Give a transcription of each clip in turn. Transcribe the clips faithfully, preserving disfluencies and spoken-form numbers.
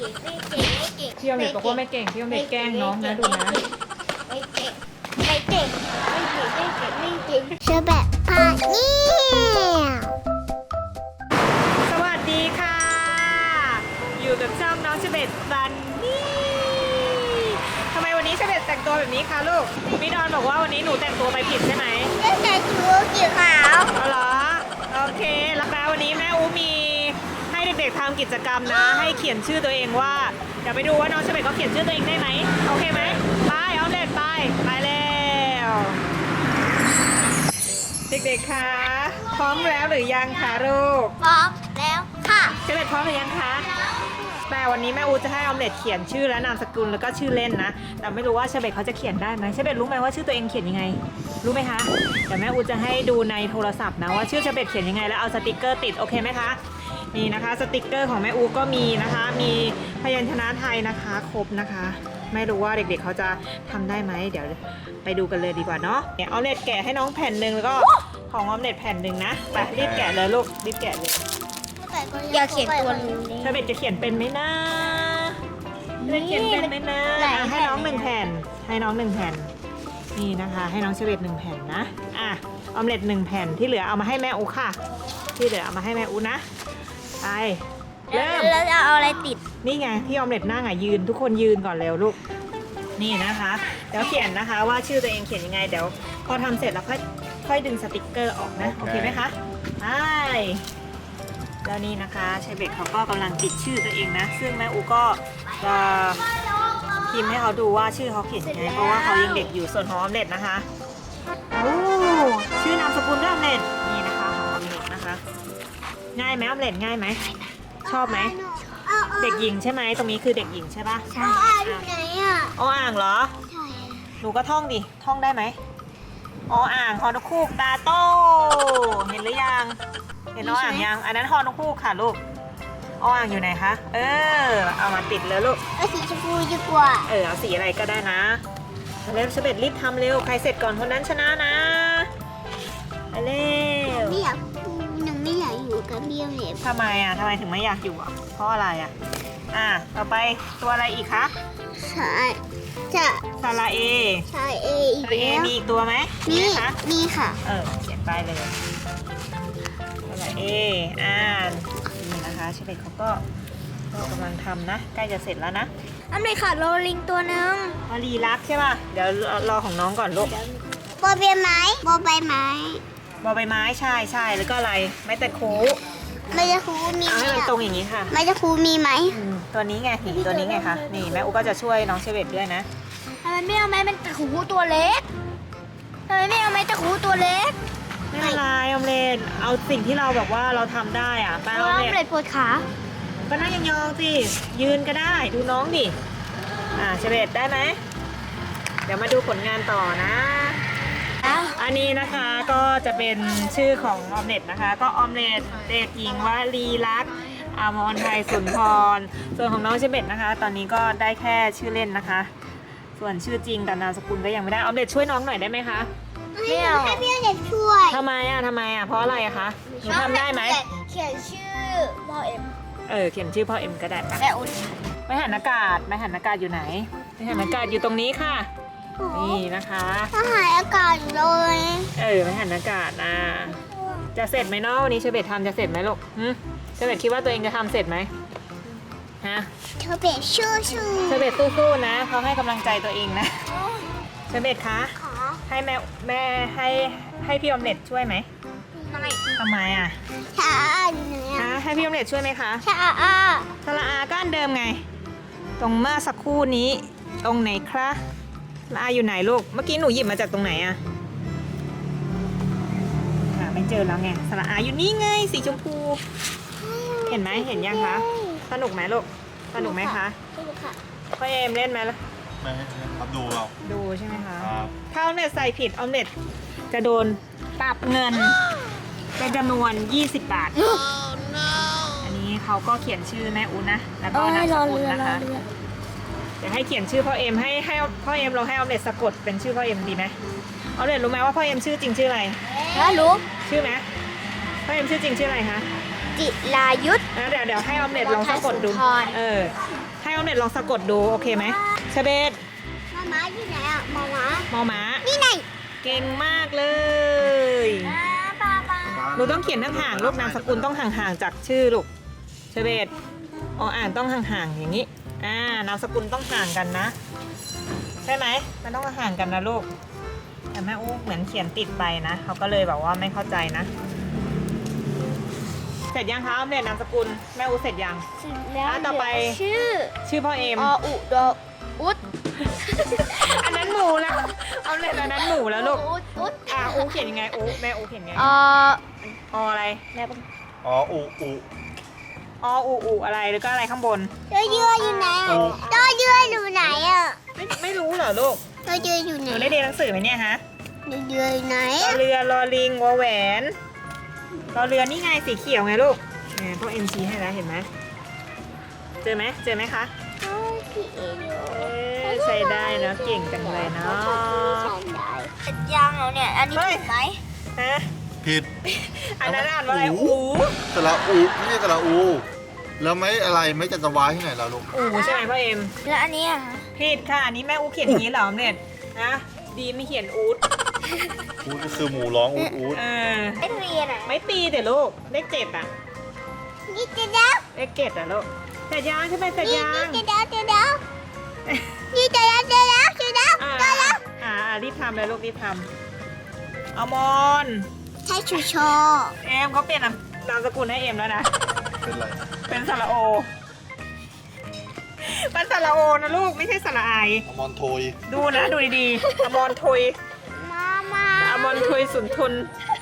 พี่ออมเล็ตบอกว่าไม่เก่งพี่ออมเล็ตแกล้งน้องนะดูนะไม่เก่งไม่เก่งไม่เก่งไม่เก่งไม่เก่งเชอแบบพาเนี่ยสวัสดีค่ะ อยู่กับช่องน้องเชเบตบันนี่ทำไมวันนี้เชเบตแต่งตัวแบบนี้คะลูกพี่ดอนบอกว่าวันนี้หนูแต่งตัวไปผิดใช่ไหมเล่นแต่ชูสีขาวเอาเหรอโอเคแล้วแปลวันนี้แม่อูมีให้เด็กๆทำกิจกรรมนะ ให้เขียนชื่อตัวเองว่าเดี๋ยวไปดูว่าน้องเชเบตเขาเขียนชื่อตัวเองได้ไหมโอเคไหมไปเอาเล็ดไปไปแล้วเด็กๆคะพร้อมแล้วหรือยังคะลูกพร้อมแล้วค่ะเชเบตพร้อมหรือยังคะแต่วันนี้แม่อูจะให้ออมเล็ตเขียนชื่อและนามสกุลแล้วก็ชื่อเล่นนะแต่ไม่รู้ว่าเชเบตเขาจะเขียนได้ไหมเชเบตรู้ไหมว่าชื่อตัวเองเขียนยังไงรู้ไหมคะเดี๋ยวแม่อูจะให้ดูในโทรศัพท์นะว่าชื่อเชเบตเขียนยังไงแล้วเอาสติกเกอร์ติดโอเคไหมคะนี่นะคะสติกเกอร์ของแม่อูก็มีนะคะมีพยัญชนะไทยนะคะครบนะคะไม่รู้ว่าเด็กๆเขาจะทำได้ไหมเดี๋ยวไปดูกันเลยดีกว่าเนาะออมเล็ตแกะให้น้องแผ่นหนึ่งแล้วก็ของออมเล็ตแผ่นหนึ่งนะไปรีบแกะเลยลูกรีบแกะเลยอย่าเขียนตัวนี้เชเบตจะเขียนเป็นไหมนะจะเขียนเป็นไหมนะให้น้องหนึ่งแผ่นให้น้องหนึ่งแผ่นนี่นะคะให้น้องเชเบตหนึ่งแผ่นนะอ่ะออมเล็ตหนึ่งแผ่นที่เหลือเอามาให้แม่อูค่ะที่เหลือเอามาให้แม่อูนะไปเริ่มแล้วจะเอาอะไรติดนี่ไงที่ออมเล็ตนั่งอ่ะยืนทุกคนยืนก่อนเร็วลูกนี่นะคะเดี๋ยวเขียนนะคะว่าชื่อตัวเองเขียนยังไงเดี๋ยวพอทำเสร็จแล้วค่อยค่อยดึงสติกเกอร์ออกนะโอเคไหมคะไปแล้วนี่นะคะเชเบตเขาก็กำลังติดชื่อตัวเองนะซึ่งแม่อูก็จะพิมพ์ให้เขาดูว่าชื่อเขาเขียนยังไงเพราะว่าเขายังเด็กอยู่ส่วนของออมเล็ตนะคะโอ้ชื่อนามสกุลด้วยออมเล็ตนี่นะคะของออมเล็ตนะคะง่ายไหมออมเล็ตง่ายไหมชอบไหมเด็กหญิงใช่ไหมตรงนี้คือเด็กหญิงใช่ปะใช่อยู่ไหนอ่ะออ่างเหรอใช่หนูก็ท่องดิท่องได้ไหมออ่างฮอนกคูกตาโตเห็นหรือยังเห็นออ่างยังอันนั้นฮอนกคูกค่ะลูกออ่างอยู่ไหนคะเออเอามาติดเลยลูกเอาสีชมพูดีกว่าเออเอาสีอะไรก็ได้นะเร็วเชเบตรีบทำเร็วใครเสร็จก่อนคนนั้นชนะนะไปเร็วไม่อยากหนูไม่อยากอยู่กับเบี้ยวเนี่ยทำไมอ่ะทำไมถึงไม่อยากอยู่อ่ะเพราะอะไรอ่ะอ่ะต่อไปตัวอะไรอีกคะใช่จะซาลาเอใช่เออีกซาลาเอแล้วมีอีกตัวไหมมีไหมคะมีค่ะเออเขียนไปเลยซาลาเออ่านนี่นะคะเชเบตเขาก็ก็กำลังทำนะใกล้จะเสร็จแล้วนะอันไหนค่ะโรลิงตัวหนึ่งวลีรักใช่ป่ะเดี๋ยวรอของน้องก่อนลูกบอใบไม้บอใบไม้บอใบไม้ใช่ใช่แล้วก็อะไรไม้ตะคูไม่จะครูมีเอาไหมให้มันอะตรงอย่างนี้ค่ะไม่จะครูมีไหมอืมตัวนี้ไงนี่ตัวนี้ไงคะนี่แม่อุก็จะช่วยน้องเชเบตด้วยนะทำไมไม่เอาไม้มันตะขูตัวเล็กทำไมไม่เอาไม้ตะขูตัวเล็กไม่เป็นไรออมเล็ตเอาสิ่งที่เราแบบว่าเราทำได้อ่ะไปเพอราะอมว่าเล็ตเลยปวดขาก็นั่งยองๆสิยืนก็ได้ดูน้องดิอ่าเชเบตได้ไหมเดี๋ยวมาดูผลงานต่อนะ อันนี้นะคะก็จะเป็นชื่อของออมเล็ตนะคะ ก็ออมเล็ตเด็กหญิงวลีลักษณ์อมรไทยสุนทรส่วนของน้องเชเบตนะคะ ตอนนี้ก็ได้แค่ชื่อเล่นนะคะ ส่วนชื่อจริงกับนามสกุลก็ยังไม่ได้ออมเล็ตช่วยน้องหน่อยได้ไหมคะไม่เอาให้พี่เด็กช่วยทำไมอ่ะทำไมอ่ะเพราะอะไรอะคะหนูทำได้ไหมเขียนชื่อพอเอ็มเออเขียนชื่อพ่อเอ็มก็ได้ปะแม่อุ่นไม้หันอากาศไม้หันอากาศอยู่ไหนไม้หันอากาศอยู่ตรงนี้ค่ะนี่นะคะถ้าหายอากาศอยู่เลยเออไม้หันอากาศนะจะเสร็จไหมเนาะวันนี้เชเบตทำจะเสร็จไหมลูกหึเชเบตคิดว่าตัวเองจะทำเสร็จไหมฮะเธอเป็นชื่อชื่อเชเบตสู้ๆนะเขาให้กำลังใจตัวเองนะเชเบตคะขาให้แม่แม่ให้ให้พี่ออมเล็ตช่วยไหมไม่ทำไมอ่ะชาอยู่ไหนฮะอะให้พี่ออมเล็ตช่วยไหมคะชาอาสระอาก็อันเดิมไง ตรงเมื่อสักครู่นี้ตรงไหนคะสระอาอยู่ไหนลูกเมื่อกี้หนูหยิบมาจากตรงไหนอะหาไม่เจอแล้วไงสระอาอยู่นี่ไงสีชมพู เห็นไหมเห็นยังคะสนุกไหมลูกสนุกไหมคะสนุกค่ะพ่อเอมเล่นไหมล่ะไม่ให้ครับดูเราดูใช่ไหมคะครับถ้าออมเล็ตใส่ผิดออมเล็ตจะโดนปรับเงิน เป็นจำนวน ยี่สิบบาท อันนี้เขาก็เขียนชื่อแม่อุ้นนะ แล้วก็นามสกุลนะคะ เดี๋ยวให้เขียนชื่อพ่อเอ็มให้ให้พ่อเอ็มเราให้ออมเล็ตสะกดเป็นชื่อพ่อเอ็มดีไหมออมเล็ตรู้ไหมว่าพ่อเอ็มชื่อจริงชื่ออะไรแล้วรู้ชื่อไหมพ่อเอ็มชื่อจริงชื่ออะไรคะจิรายุทธแล้วเดี๋ยวเดี๋ยวให้ออมเล็ตลองสะกดดูสุนทรเออออมเล็ตลองสะกดดูโอเคไหมเชเบตมาม้าอยู่ไหนอ่ะมาม้ามอม้านี่ไงเก่งมากเลยอ่าปลาปลาหนูต้องเขียนห่างๆลูกนามสกุลต้องห่างๆจากชื่อลูกเชเบตออ่านต้องห่างๆอย่างนี้อ่านามสกุลต้องห่างกันนะ ใช่ไหมมันต้องห่างกันนะลูกแต่แม่อู้เหมือนเขียนติดไปนะเขาก็เลยแบบว่าไม่เข้าใจนะ เสร็จยังคะออมเล็ตนามสกุลแม่อู้เสร็จยังเสร็จแล้วอ่ะต่อไปเหลืชื่อชื่อพ่อเอมออุดออุดอันนั้นหมูแล้วออมเล็ตอันนั้นหมูแล้วลูกอุดอุดอ่ะอู้เขียนยังไงอู้แม่อู้เขียนยังไงอออะไรแม่ปุ๊บอ๋ออูอูออูอูอะไรแล้วก็อะไรข้างบนตัวเยืออยู่ไหนอ่ะตัวเยืออยู่ไหนอ่ะไม่ไม่รู้เหรอลูกตัวเยืออยู่หไหนนูได้เรียนหนังสือไหมเนี่ยฮะตัวเยืออยู่ไหนรออ่ะเรือรอลิงวอแหวนรอเรือนี่ไงสีเขียวไงลูกเนี่ยพ่อเอ็มชี้ให้แล้วเห็นไหมเจอไหมเจอไหมคะโอ้ยพี่เอ๋อยู่เอ๊ะใช้ได้เนอะเก่งจังเลยเนาะเสร็จยังแล้วเนี่ย อันนี้เฮ้ยถูกไหมฮะผิดอันนั้นอ่านว่าอะไรอูอูสระอูไม่ใช่สระอู แล้วไม่อะไรไม่จันทวายที่ไหนเราลูกอูใช่ไหมพ่อเอ็มแล้วอันนี้อ่ะผิดค่ะอันนี้แม่อูเขียนอย่างนี้เหรอเนี่ยนะดีไม่เขียนอูดอูก็คือหมูร้องอูดอูดเออไม่เรียนอ่ะไม่ตีแต่ลูกเลขเจ็ดอะนี่จะเด้วเลขเจ็ดอะลูกเสร็จยังใช่ไหมเสร็จนี่ยังนี่จะเด้วจะเด้วนี่จะเด้วจะเด้วจะเด้วอ่าจะเด้วอ่ารีบทำเลยลูกรีบทำเอามอนใช่ชูโชเอ็มเขาเปลี่ยนนามสกุลให้เอ็มแล้วนะเป็นไรเป็นสระโอมันสระโอนะลูกไม่ใช่สระไออมอนโทยดูนะดูดีๆอมรทุยมามาอมรทุยสุนทุน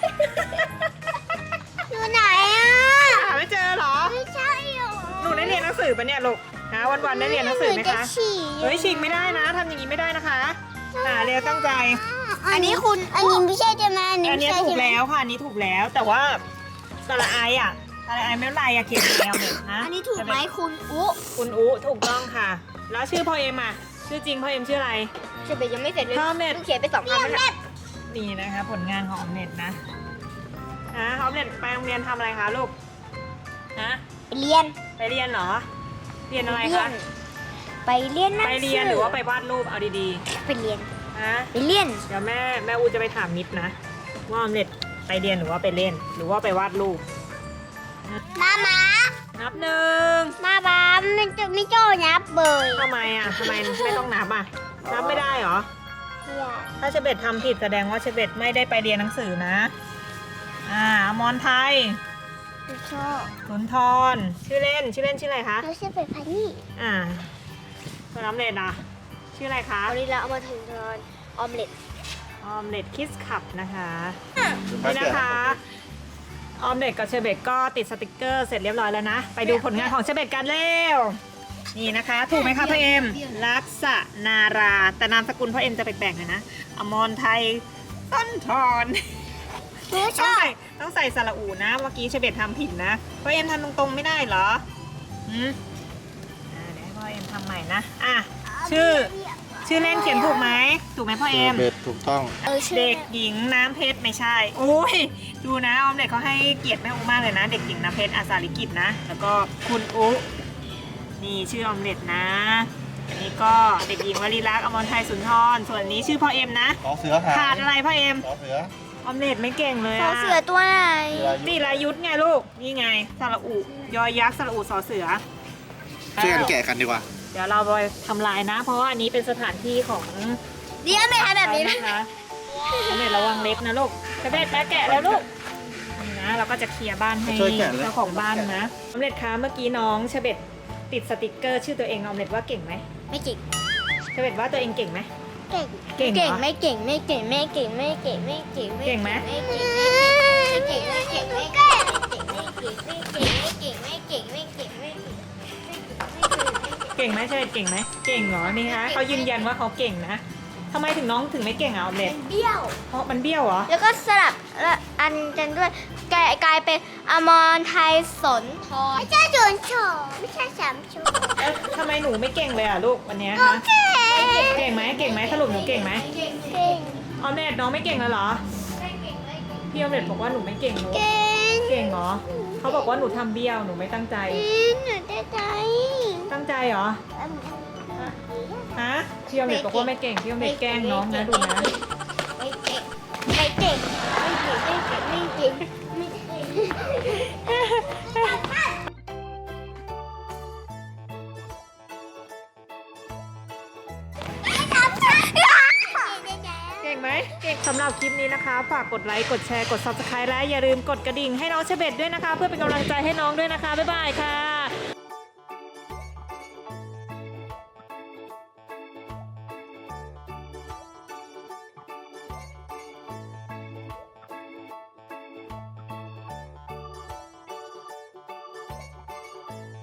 อยู่ไหนอ่ะหาไม่เจอเหรอไม่ใช่หรอหนูได้เรียนหนังสือปะเนี่ยลูกนะวันๆได้เรียนหนังสือไหมจะคะฉี่เฮ้ยฉีกไม่ได้นะทำอย่างนี้ไม่ได้นะคะหาเรียนตั้งใจอันนี้คุณ อันนี้ไม่ใช่ใช่ไหมอันนี้อันไม่นี้ใช่ถูใช่กไหมแล้วค่ะอันนี้ถูกแล้วแต่ว่าสระไออ่ะสระไอไม่เป็นไรอะเขียนแนวเนี่ยนะอันนี้ถูกไหมคุณอุ๊คุณอุถูกต้องค่ะ แล้วชื่อพ่อเอ็มอ่ะชื่อจริงพ่อเอ็มชื่ออะไรเฉยๆยังไม่เสร็จเลยพ่อเน็ตเพิ่งเขียนไปสองคำแล้วนะนี่นะคะผลงานของออมเน็ตนะนะออมเน็ตไปโรงเรียนทำอะไรคะลูกฮะไปเรียนไปเรียนเหรอ เรียนอะไรเรียคะน ไปเรียนหนังไปสืเรียนหรือว่าไปวาดรูปเอาดีไปเรียนๆฮะไปเรียนเดี๋ยวแม่แม่อูจะไปถามมิดนะว่าออมเน็ตไปเรียนหรือว่าไปเล่น หรือว่าไปวาดรูปมามานับหนึ่งมาบ้าไม่จะไม่โจ้นับเบยทำไมอ่ะทำไมไม่ต้องนับอ่ะนับไม่ได้เหรอ ถ้าเชเบตทำผิดแสดงว่าเชเบตไม่ได้ไปเรียนหนังสือนะ อ่าอมรไทยไม่ชอบสุนทร ชื่อเล่น ชื่อเล่นชื่ออะไรคะเราชื่อเป็นพันนี่อ่าส่วนออมเล็ตอ่ะ ชื่ออะไรคะเอานี้เราเอามาถึงตอนออมเล็ตออมเล็ตคิสคับนะคะไม่นี่เปลี่ยนะคะ ออมเล็ตกับเชเบตก็ติดสติกเกอร์เสร็จเรียบร้อยแล้วนะ ไปดูผลงานของเชเบตกันเร็ว นี่นะคะ ถูกไหมคะพ่อเอ็ม ลักษนารา แต่นามสกุลพ่อเอ็มจะแปลกๆหน่อยนะ อมรไทยต้นทอนหนูชต้องอบใส่ต้องใส่สระอูนะ เมื่อกี้เชเบตทำผิดนะพ่อเอ็มทำตรงๆไม่ได้เหรอหืมอ่าเดี๋ยวให้พ่อเอ็มทำใหม่นะ อ่ะ ชื่อ ชื่อเล่นเขียนถูกไหม ถูกไหมพ่อเอ็มเบ็ดถูกต้องเออชื่อเด็กหญิงน้ำเพชรไม่ใช่ โอ้ย ดูนะออมเด็กเขาให้เกียรติแม่อูมากเลยนะ เด็กหญิงน้ำเพชรอาสาลิกิจนะ แล้วก็คุณอุนี่ชื่อออมเล็ตนะ อันนี้ก็เด็กหญิงวลีรักษ์อมรไทยสุนทร ส่วนอันนี้ชื่อพ่อเอ็มนะน้องเสือหายขาดอะไรพ่อเอ็มน้องเสือออมเล็ตไม่เก่งเลยสออะเสือตัวไหนนี่รายุทธไงลูก นี่ไงสระอุยอยักษ์สระอุสอเสือช่วยกันแกะกันดีกว่าเดี๋ยวเราไปทำลายนะ เพราะว่าอันนี้เป็นสถานที่ของเดี๋ยวไม่ทำแบบนี้นะนะคะออมเล็ตระวังเล็บนะลูกกระเด็ดแปะแกะแล้วลูกนี่นะเราก็จะเคลียร์บ้านให้ช่วยแกะเลยเจ้าของบ้านนะออมเล็ตคะเมื่อกี้น้องเชเบตติดสติกเกอร์ชื่อตัวเองออมเล็ตว่าเก่งไหมไม่เก่งเชเบตว่าตัวเองเก่งไหมเก่งเก่งเหรอไม่เก่งไม่เก่งไม่เก่งไม่เก่งไม่เก่งเก่งไหมไม่เก่งไม่เก่งไม่เก่งไม่เก่งไม่เก่งไม่เก่งไม่เก่งไม่เก่งไม่เก่งไม่เก่งไม่เก่งไม่เก่งไม่เก่งเก่งไหมเชเบตเก่งไหมเก่งเหรอนี่ฮะเขายืนยันว่าเขาเก่งนะทำไมถึงน้องถึงไม่เก่งอ่ะออมเล็ตเบี้ยวเพราะมันเบี้ยวเหรอแล้วก็สลับและอันกันด้วยกลายกลายเป็นอมรไทยสนทรไม่ใช่สนทรไม่ใช่สามชูแล้วทำไมหนูไม่เก่งเลยอ่ะลูกวันเนี้ยโอฮะเคเก่งไหมเก่งไหมสรุปหนูเก่งไหมเก่งเก่งออมเล็ตน้องไม่เก่งแล้วเหรอพี่ออมเล็ตบอกว่าหนูไม่เก่งลูกเก่งเก่งเหรอเขาบอกว่าหนูทำเบี้ยวหนูไม่ตั้งใจอืมหนูได้ใจตั้งใจเหรอฮะพี่อมเด็กบอกว่าไม่เก่งพี่อมเด็กแกล้งน้องนะดูนะไม่เก่งไม่เก่งไม่เก่งไม่เก่งไม่เก่งไม่เก่งเก่งไหมเก่งสำหรับคลิปนี้นะคะ ฝากกดไลค์ กดแชร์ กด ซับสไครบ์ และอย่าลืมกดกระดิ่งให้น้องเชเบตด้วยนะคะ เพื่อเป็นกำลังใจให้น้องด้วยนะคะ บ๊ายบายค่ะ